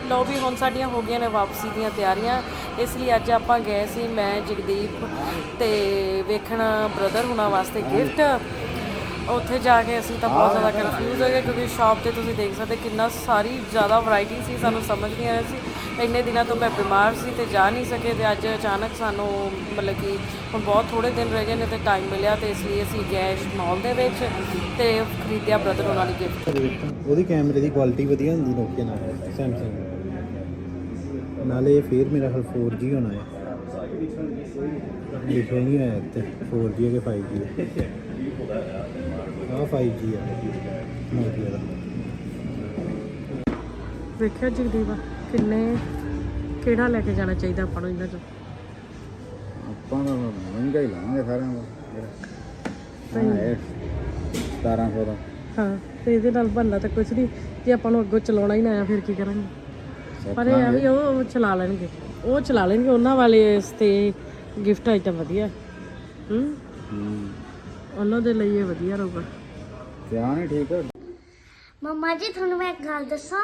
ਲਓ ਵੀ ਹੁਣ ਸਾਡੀਆਂ ਹੋ ਗਈਆਂ ਨੇ ਵਾਪਸੀ ਦੀਆਂ ਤਿਆਰੀਆਂ। ਇਸ ਲਈ ਅੱਜ ਆਪਾਂ ਗਏ ਸੀ ਮੈਂ ਜਗਦੀਪ ਤੇ ਵੇਖਣ ਬ੍ਰਦਰ ਹੁਣਾਂ ਵਾਸਤੇ ਗਿਫਟ। ਉੱਥੇ ਜਾ ਕੇ ਅਸੀਂ ਤਾਂ ਬਹੁਤ ਜ਼ਿਆਦਾ ਕਨਫਿਊਜ਼ ਹੋ ਗਏ ਕਿਉਂਕਿ ਸ਼ਾਪ ਤੇ ਤੁਸੀਂ ਦੇਖ ਸਕਦੇ ਕਿੰਨਾ ਸਾਰੀ ਜ਼ਿਆਦਾ ਵੈਰਾਈਟੀ ਸੀ। ਸਾਨੂੰ ਸਮਝ ਨਹੀਂ ਆ ਰਿਹਾ ਸੀ। ਇੰਨੇ ਦਿਨਾਂ ਤੋਂ ਮੈਂ ਬਿਮਾਰ ਸੀ ਤੇ ਜਾ ਨਹੀਂ ਸਕੇ ਤੇ ਅੱਜ ਅਚਾਨਕ ਸਾਨੂੰ ਮਤਲਬ ਕਿ ਹੁਣ ਬਹੁਤ ਥੋੜ੍ਹੇ ਦਿਨ ਰਹਿ ਗਏ ਨੇ ਤੇ ਟਾਈਮ ਮਿਲਿਆ ਤੇ ਇਸ ਲਈ ਅਸੀਂ ਗਏ ਮਾਲ ਦੇ ਵਿੱਚ ਤੇ ਖਰੀਦਿਆ ਬ੍ਰਦਰ ਉਹਨਾਂ ਲਈ ਗਿਫਟ। ਉਹਦੀ ਕੈਮਰੇ ਦੀ ਕੁਆਲਿਟੀ ਵਧੀਆ ਹੁੰਦੀ ਨੋਕੀਆ ਨਾਲ ਸੈਮਸੰਗ ਨਾਲੇ ਫਿਰ ਮੇਰਾ ਹਾਲ 4G ਹੋਣਾ ਹੈ। ਲਿਖਿਆ ਨਹੀਂ ਹੋਇਆ ਇੱਥੇ 4G ਹੈ ਕਿ 5G ਹੈ। ਆਹ 5G ਹੈ ਨੋਕੀਆ ਦਾ। ਵੇਖਿਆ ਜਗਦੀਪ ਕਿੰਨੇ ਕਿਹੜਾ ਲੈ ਕੇ ਜਾਣਾ ਚਾਹੀਦਾ ਆਪਾਂ ਨੂੰ ਇਹਨਾਂ 'ਚੋਂ? ਆਪਾਂ ਤਾਂ ਮਹਿੰਗਾ ਹੀ ਲਾਵਾਂਗੇ ਸਾਰਿਆਂ ਦਾ। ਇਹ 1700 ਦਾ। ਹਾਂ ਤੇ ਇਹਦੇ ਨਾਲ ਬਣਨਾ ਤਾਂ ਕੁਛ ਨਹੀਂ ਜੇ ਆਪਾਂ ਨੂੰ ਅੱਗੋਂ ਚਲਾਉਣਾ ਹੀ ਨਾ ਆਇਆ ਫਿਰ ਕੀ ਕਰਾਂਗੇ। ਪਰ ਇਹ ਆ ਵੀ ਉਹ ਚਲਾ ਲੈਣਗੇ ਉਹਨਾਂ ਵਾਲੇ ਇਸ ਤੇ ਗਿਫਟ ਆਈਟਮ ਵਧੀਆ ਉਹਨਾਂ ਦੇ ਲਈ ਇਹ ਵਧੀਆ ਰਹੂਗਾ। ਕਿਆ ਨਹੀਂ ਠੀਕ ਹੈ ਮੰਮਾ ਜੀ ਤੁਹਾਨੂੰ ਮੈਂ ਇੱਕ ਗੱਲ ਦੱਸਾਂ।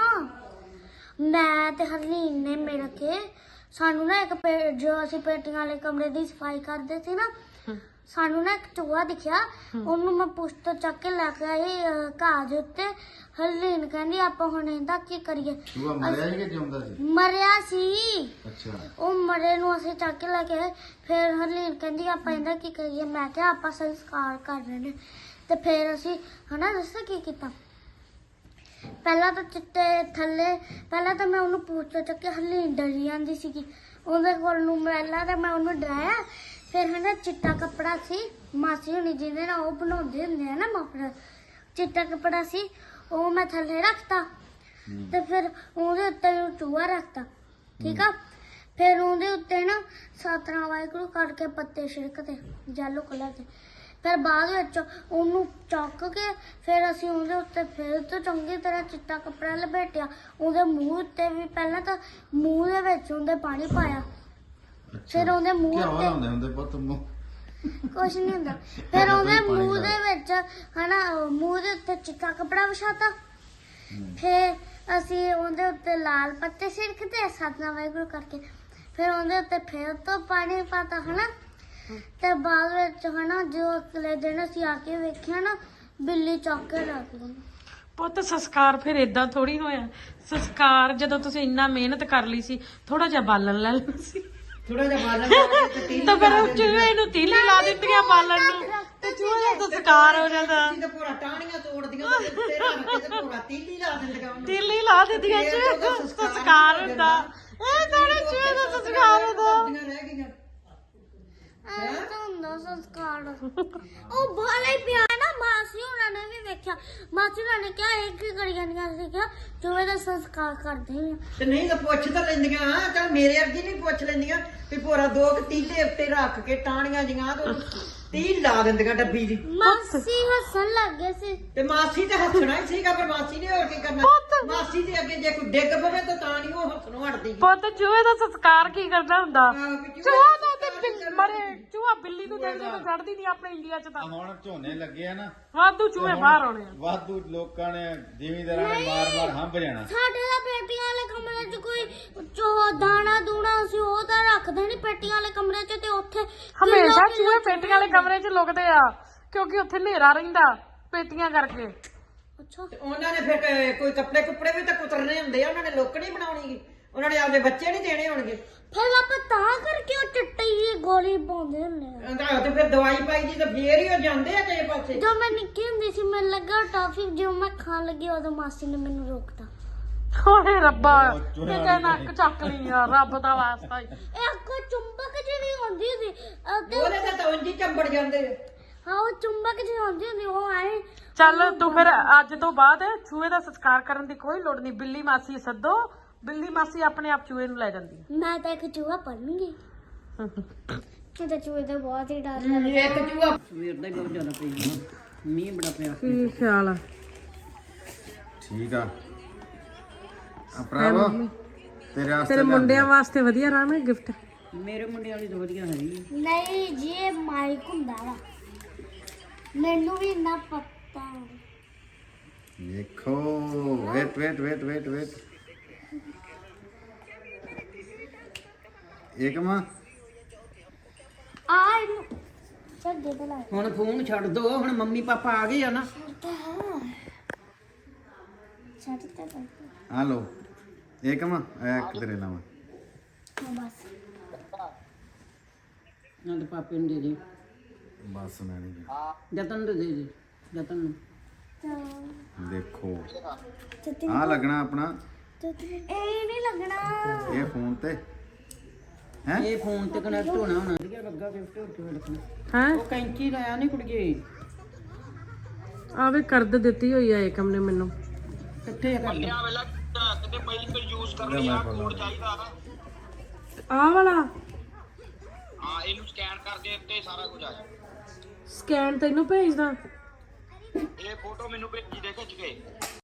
ਮੈਂ ਤੇ ਹਰਲੀਨ ਨੇ ਮਿਲ ਕੇ ਸਾਨੂੰ ਨਾ ਇੱਕ ਜੋ ਅਸੀਂ ਪੇਟੀਆਂ ਵਾਲੇ ਕਮਰੇ ਦੀ ਸਫਾਈ ਕਰਦੇ ਸੀ ਨਾ ਸਾਨੂੰ ਨਾ ਇੱਕ ਚੂਹਾ ਦਿਖਿਆ। ਉਹਨੂੰ ਮੈਂ ਪੁੱਛ ਤੋਂ ਚੱਕ ਕੇ ਲੈ ਕੇ ਆਈ ਘਾਹ ਦੇ ਉੱਤੇ। ਹਰਲੀਨ ਕਹਿੰਦੀ ਆਪਾਂ ਹੁਣ ਇਹਦਾ ਕੀ ਕਰੀਏ? ਚੂਹਾ ਮਰਿਆ ਸੀ ਕਿ ਜਿਉਂਦਾ ਸੀ? ਮਰਿਆ ਸੀ। ਅੱਛਾ ਉਹ ਮਰੇ ਨੂੰ ਅਸੀਂ ਚੱਕ ਕੇ ਲੈ ਕੇ ਆਏ। ਫਿਰ ਹਰਲੀਨ ਕਹਿੰਦੀ ਆਪਾਂ ਇਹਦਾ ਕੀ ਕਰੀਏ? ਮੈਂ ਕਿਹਾ ਆਪਾਂ ਸੰਸਕਾਰ ਕਰ ਰਹੇ ਨੇ। ਤੇ ਫਿਰ ਅਸੀਂ ਹਨਾ ਦੱਸਾਂ ਕੀ ਕੀਤਾ। ਪਹਿਲਾਂ ਤਾਂ ਚਿੱਟੇ ਥੱਲੇ ਪਹਿਲਾਂ ਤਾਂ ਮੈਂ ਉਹਨੂੰ ਪੁੱਛ ਤੋਂ ਚੱਕ ਕੇ ਹਰਲੀਨ ਡਰੀ ਜਾਂਦੀ ਸੀਗੀ ਉਹਦੇ ਕੋਲ ਨੂੰ। ਪਹਿਲਾਂ ਤਾਂ ਮੈਂ ਉਹਨੂੰ ਡਰਾਇਆ। ਫਿਰ ਹਨਾ ਚਿੱਟਾ ਕੱਪੜਾ ਸੀ ਮਾਸੀ ਹੁਣੀ ਜਿਹਦੇ ਨਾਲ ਉਹ ਬਣਾਉਂਦੇ ਹੁੰਦੇ ਆ ਨਾ ਮਫਲਰ। ਚਿੱਟਾ ਕੱਪੜਾ ਸੀ ਉਹ ਮੈਂ ਥੱਲੇ ਰੱਖਤਾ ਤੇ ਫਿਰ ਉਹਦੇ ਉੱਤੇ ਚੂਹਾ ਰੱਖਤਾ। ਠੀਕ ਆ। ਫਿਰ ਉਹਦੇ ਉੱਤੇ ਨਾ ਸਤਨਾਮ ਵਾਹਿਗੁਰੂ ਕਰਕੇ ਪੱਤੇ ਛਿੜਕਦੇ ਯੈਲੋ ਕਲਰ ਦੇ। ਫਿਰ ਬਾਅਦ ਵਿੱਚ ਉਹਨੂੰ ਚੁੱਕ ਕੇ ਫਿਰ ਅਸੀਂ ਉਹਦੇ ਉੱਤੇ ਫਿਰ ਤੋਂ ਚੰਗੀ ਤਰ੍ਹਾਂ ਚਿੱਟਾ ਕੱਪੜਾ ਲਪੇਟਿਆ। ਉਹਦੇ ਮੂੰਹ ਉੱਤੇ ਵੀ ਪਹਿਲਾਂ ਤਾਂ ਮੂੰਹ ਦੇ ਵਿੱਚ ਉਹਦੇ ਪਾਣੀ ਪਾਇਆ। ਫਿਰ ਉਹਦੇ ਮੂੰਹ ਉੱਤੇ ਹੁੰਦੇ ਪੁੱਤ ਮੂੰਹ ਕੁਛ ਨਹੀਂ ਹੁੰਦਾ। ਫਿਰ ਉਹਦੇ ਮੂੰਹ ਦੇ ਵਿੱਚ ਹਨਾ ਮੂੰਹ ਦੇ ਉੱਤੇ ਚਿੱਟਾ ਕੱਪੜਾ ਵਿਛਾਤਾ। ਫਿਰ ਅਸੀਂ ਉਹਦੇ ਉੱਤੇ ਲਾਲ ਪੱਤੇ ਛਿੜਕਦੇ ਸਤਨਾਮ ਵਾਹਿਗੁਰੂ ਕਰਕੇ। ਫਿਰ ਉਹਦੇ ਉੱਤੇ ਫਿਰ ਤੋਂ ਪਾਣੀ ਪਾਤਾ ਹਨਾ। ਤੇ ਬਾਅਦ ਵਿੱਚ ਹਨਾ ਜੋ ਅਗਲੇ ਦਿਨ ਅਸੀਂ ਆ ਕੇ ਵੇਖਿਆ ਨਾ ਬਿੱਲੀ ਚੁੱਕ ਕੇ ਰੱਖ ਲਈ। ਪੁੱਤ ਸੰਸਕਾਰ ਫਿਰ ਇਦਾਂ ਥੋੜੀ ਹੋਇਆ। ਸੰਸਕਾਰ ਜਦੋਂ ਤੁਸੀਂ ਇੰਨਾ ਮਿਹਨਤ ਕਰ ਲਈ ਸੀ ਥੋੜਾ ਜਿਹਾ ਬਾਲਣ ਲੈ ਲੈਣਾ ਸੀ। ਥੋੜਾ ਜਿਹਾ ਬਾਲਣ ਤਾਂ ਫਿਰ ਚੂਹੇ ਨੂੰ ਤੀਲੀ ਲਾ ਦਿੱਤੀਆਂ ਬਾਲਣ ਨੂੰ ਤੇ ਚੂਹੇ ਦਾ ਸੰਸਕਾਰ ਹੋ ਜਾਂਦਾ। ਤੇ ਪੂਰਾ ਟਾਹਣੀਆਂ ਤੋੜਦੀਆਂ ਤੇ ਉੱਤੇ ਰੱਖ ਕੇ ਤੇ ਪੂਰਾ ਤੀਲੀ ਲਾ ਦਿੰਦੀਆਂ ਉਹਨੂੰ। ਤੀਲੀ ਲਾ ਦਿੱਤੀਆਂ ਸੰਸਕਾਰ ਹੁੰਦਾ। ਇਹ ਤਾਂ ਚੂਹੇ ਦਾ ਸੰਸਕਾਰ ਹੁੰਦਾ। ਰਹਿ ਗਈਆਂ ਤਾਂ ਹੁੰਦਾ ਸੰਸਕਾਰ। ਉਹ ਬਾਲਾ ਹੀ ਪਿਆ ਨਾ ਮਾਸੀ ਉਹਨਾਂ ਨੇ ਵੀ ਵੇਖਿਆ। ਮਾਸੀ ਉਹਨਾਂ ਨੇ ਕਿਹਾ ਇਹ ਕੀ ਕਰੀ ਜਾਂਦੀਆਂ ਸੀ? ਕਿਹਾ ਚੂਹੇ ਦਾ ਸੰਸਕਾਰ ਕਰਦੇ ਆ। ਤੇ ਨਹੀਂ ਤਾਂ ਪੁੱਛ ਤਾਂ ਲੈਂਦੀਆਂ ਚੱਲ ਮੇਰੇ ਅੱਗੇ ਨਹੀਂ ਪੁੱਛ ਲੈਂਦੀਆਂ ਵੀ ਪੂਰਾ ਦੋ ਤੀਲੇ ਉੱਤੇ ਰੱਖ ਕੇ ਟਾਹਣੀਆਂ ਜੀਆਂ ਤੇ ਤੀਲ ਲਾ ਦਿੰਦੀਆਂ ਡੱਬੀ ਦੀ। ਮਾਸੀ ਹੱਸਣ ਲੱਗ ਗਏ ਸੀ। ਤੇ ਮਾਸੀ ਤੇ ਹੱਸਣਾ ਹੀ ਸੀਗਾ ਪਰ ਮਾਸੀ ਨੇ ਹੋਰ ਕੀ ਕਰਨਾ। ਮਾਸੀ ਦੇ ਅੱਗੇ ਜੇ ਕੋਈ ਡਿੱਗ ਪਵੇ ਤਾਂ ਤਾਂ ਨਹੀਂ ਉਹ ਹੱਸਣੋਂ ਹਟਦੀ। ਪੁੱਤ ਚੂਹੇ ਦਾ ਸੰਸਕਾਰ ਕੀ ਕਰਦਾ ਹੁੰਦਾ? ਚੂਹਾ ਚੂਹਾ ਤਾਂ ਤੇ ਮਰੇ ਚੂਹਾ ਬਿੱਲੀ ਨੂੰ ਦੇਖਦੇ ਤਾਂ ਛੱਡਦੀ ਨਹੀਂ ਆਪਣੇ ਇੰਡੀਆ 'ਚ ਤਾਂ। ਹੁਣ ਝੋਨੇ ਲੱਗੇ ਆ ਨਾ ਵਾਧੂ ਚੂਹੇ ਬਾਹਰ ਆਉਣੇ ਆ। ਵਾਧੂ ਲੋਕਾਂ ਨੇ ਜ਼ਿਮੀਂਦਾਰਾਂ ਨੇ ਮਾਰ ਹੰਭ ਜਾਣਾ। ਸਾਡੇ ਦਾ ਪੇਟੀਆਂ ਵਾਲੇ ਕਮਰੇ 'ਚ ਕੋਈ ਦਾਣਾ ਦੂਣਾ ਸੀ ਉਹ ਤਾਂ ਰੱਖਦੇ ਨਹੀਂ ਪੇਟੀਆਂ ਵਾਲੇ ਕਮਰੇ 'ਚ। ਤੇ ਉੱਥੇ ਹਮੇਸ਼ਾ ਚੂਹੇ ਪੇਟੀਆਂ ਵਾਲੇ ਕਮਰੇ 'ਚ ਲੁਕਦੇ ਆ ਕਿਉਂਕਿ ਉੱਥੇ ਹਨੇਰਾ ਰਹਿੰਦਾ ਪੇਟੀਆਂ ਕਰਕੇ। ਅੱਛਾ ਤੇ ਉਹਨਾਂ ਨੇ ਫਿਰ ਕੋਈ ਕੱਪੜੇ ਕੁੱਪੜੇ ਵੀ ਤਾਂ ਕੁਤਰਨੇ ਹੁੰਦੇ ਆ। ਉਹਨਾਂ ਨੇ ਲੁੱਕ ਨਹੀਂ ਬਣਾਉਣੀ। ਉਹਨਾਂ ਨੇ ਆਪਦੇ ਬੱਚੇ ਨਹੀਂ ਦੇਣੇ ਹੋਣਗੇ। ਫਿਰ ਆਪਾਂ ਤਾਂ ਕਰਕੇ ਉਹ ਚਿੱਟੀ ਜਿਹੀ ਗੋਲੀ ਪਾਉਂਦੇ ਹੁੰਦੇ ਆ। ਤੇ ਫਿਰ ਦਵਾਈ ਪਾਈ ਦੀ ਤਾਂ ਫੇਰ ਹੀ ਉਹ ਜਾਂਦੇ ਆ ਕਿਸੇ ਪਾਸੇ। ਜਦੋਂ ਮੈਂ ਨਿੱਕੀ ਹੁੰਦੀ ਸੀ ਮੈਨੂੰ ਲੱਗਾ ਟਾਫੀ ਜਦੋਂ ਮੈਂ ਖਾਣ ਲੱਗੀ ਉਦੋਂ ਮਾਸੀ ਨੇ ਮੈਨੂੰ ਰੋਕਤਾ। ਓਏ ਰੱਬਾ ਕਿਤੇ ਨੱਕ ਚੱਕ ਲਈ ਆ ਰੱਬ ਦਾ ਵਾਸਤਾ ਹੀ। ਇਹ ਕੋਈ ਚੁੰਬਕ ਜਿਹੜੀ ਹੁੰਦੀ ਸੀ ਉਹਦੇ ਤਾਂ ਉਂਝ ਹੀ ਚੰਬੜ ਜਾਂਦੇ ਆ। ਹਾਂ ਉਹ ਚੁੰਬਕ ਜਿਹੀ ਹੁੰਦੀ ਹੁੰਦੀ ਉਹ ਆਏ। ਚੱਲ ਤੂੰ ਫਿਰ ਅੱਜ ਤੋਂ ਬਾਅਦ ਚੂਹੇ ਦਾ ਸੰਸਕਾਰ ਕਰਨ ਦੀ ਕੋਈ ਲੋੜ ਨਹੀਂ। ਬਿੱਲੀ ਮਾਸੀ ਸੱਦੋ ਬਿੱਲੀ ਮਾਸੀ ਆਪਣੇ ਆਪ ਚੂਹੇ ਨੂੰ ਲੈ ਜਾਂਦੀ ਹੈ। ਮੈਂ ਤਾਂ ਇੱਕ ਚੂਹਾ ਪੜਨਗੀ ਕਿਤੇ ਚੂਹੇ ਦਾ ਬਹੁਤ ਹੀ ਡਰ ਲੱਗਦਾ। ਇੱਕ ਚੂਹਾ ਸਵੇਰ ਦਾ ਹੀ ਬਹੁਤ ਜ਼ਿਆਦਾ ਪਈ ਮੀਂਹ ਬੜਾ ਪਿਆ। ਕੀ ਖਿਆਲ ਆ? ਠੀਕ ਆ ਭਰਾਵਾ ਤੇਰੇ ਵਾਸਤੇ ਤੇਰੇ ਮੁੰਡਿਆਂ ਵਾਸਤੇ ਵਧੀਆ ਰਹਾ ਨਾ ਗਿਫਟ। ਮੇਰੇ ਮੁੰਡੇ ਵਾਲੀ ਤਾਂ ਵਧੀਆ ਹੈਗੀ। ਨਹੀਂ ਜੀ ਇਹ ਮਾਈਕ ਹੁੰਦਾ ਵਾ ਮੈਨੂੰ ਵੀ ਇੰਨਾ ਪਤਾ। ਦੇਖੋ ਵੇਟ ਏਕਮ ਆ ਇਹਨੂੰ ਛੱਡ ਦੇ ਬਲਾ ਹੁਣ ਫੋਨ ਛੱਡ ਦੋ, ਹੁਣ ਮੰਮੀ ਪਾਪਾ ਆ ਗਏ ਆ ਨਾ। ਛੱਡ ਦੇ ਬਸ ਆ ਲੋ ਏਕਮ ਇੱਕ ਤੇਰੇ ਨਾਮ ਬਸ ਨਾ ਤੇ ਪਾਪੇ ਨੂੰ ਦੇ ਦੇ, ਬਸ ਮੈਂ ਨਹੀਂ ਜਤਨ ਨੂੰ ਦੇ ਦੇ, ਜਤਨ ਨੂੰ। ਦੇਖੋ ਤੇ ਆ ਲੱਗਣਾ ਆਪਣਾ ਇਹ ਨਹੀਂ ਲੱਗਣਾ ਇਹ ਫੋਨ ਤੇ ਹੈ ਇਹ ਫੋਨ ਤੇ ਕਨੈਕਟ ਹੋਣਾ ਹੋਣਾ। ਵਧੀਆ ਲੱਗਾ ਗਿਫਟ ਹੋਰ ਕਿਵੇਂ ਲੱਗਣਾ। ਹਾਂ ਉਹ ਕੈਂਚੀ ਲਾਇਆ ਨਹੀਂ ਕੁੜੀਏ, ਆਵੇ ਕਰਦ ਦਿੱਤੀ ਹੋਈ ਆ ਏਕਮ ਨੇ ਮੈਨੂੰ। ਕਿੱਥੇ ਕਰ ਲਿਆ? ਆਹ ਵਾਲਾ ਹਾਂ ਇਹਨੂੰ ਸਕੈਨ ਕਰ ਦੇ ਤੇ ਸਾਰਾ ਕੁਝ ਆ ਜਾ। ਸਕੈਨ ਤੈਨੂੰ ਭੇਜਦਾ। ਇਹ ਫੋਟੋ ਮੈਨੂੰ ਭੇਜੀ ਦੇ ਖਿੱਚ ਕੇ।